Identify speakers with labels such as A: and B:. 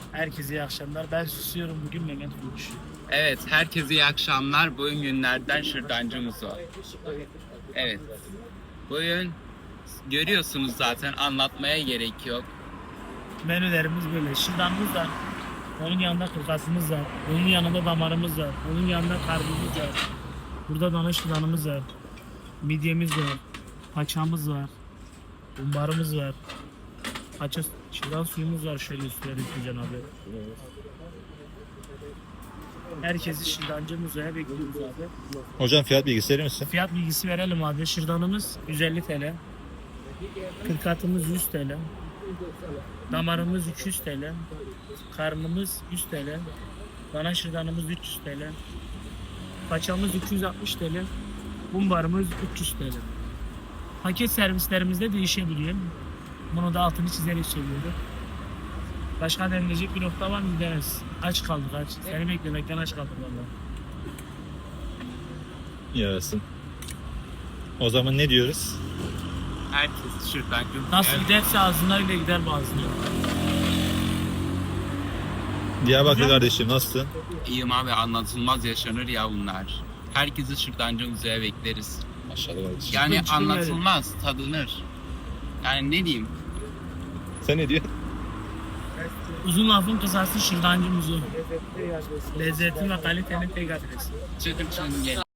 A: Herkese iyi akşamlar. Ben susuyorum bugün, Mehmet konuşuyor.
B: Evet, herkese iyi akşamlar. Bugün günlerden şırdancımız var. Evet, bugün görüyorsunuz zaten, anlatmaya gerek yok.
A: Menülerimiz böyle. Şırdanımız var. Onun yanında kırkasımız var. Onun yanında damarımız var. Onun yanında karbimiz var. Burada dana şırdanımız var. Midyemiz var. Paçamız var. Bumbarımız var. Paça şırdan suyumuz var. Şöyle üstüne dökeceğim abi. Herkesi şırdancı müzeye bekliyoruz abi.
C: Hocam fiyat bilgisi verir misin?
A: Fiyat bilgisi verelim abi. Şırdanımız 150 TL. Kırkatımız 100 TL. Damarımız 200 TL. Karnımız 100 TL. Dana şırdanımız 300 TL. Paçamız 260 TL. Bumbarımız 300 TL. Paket servislerimizde değişebiliyor. Bunu da altını çizerek söylüyorum. Başka denilecek bir nokta var mı Deniz? Aç kaldık aç. Seni beklemekten aç kaldık valla.
C: Yarasın. O zaman ne diyoruz?
B: Herkes şırdancı.
A: Nasıl giderse ağzına öyle gider bazına.
C: Diyarbakır kardeşim nasılsın?
B: İyiyim abi, anlatılmaz yaşanır ya bunlar. Herkesi şırdancı müzeye bekleriz.
C: Maşallah kardeşim.
B: Yani
A: Çıkın
B: anlatılmaz, tadınır. Yani ne diyeyim?
C: Sen ne diyorsun?
A: Uzun lafın kısası şırdancı muzu. Lezzeti ve kalitenin tek adresi.
B: Çıkın gelin.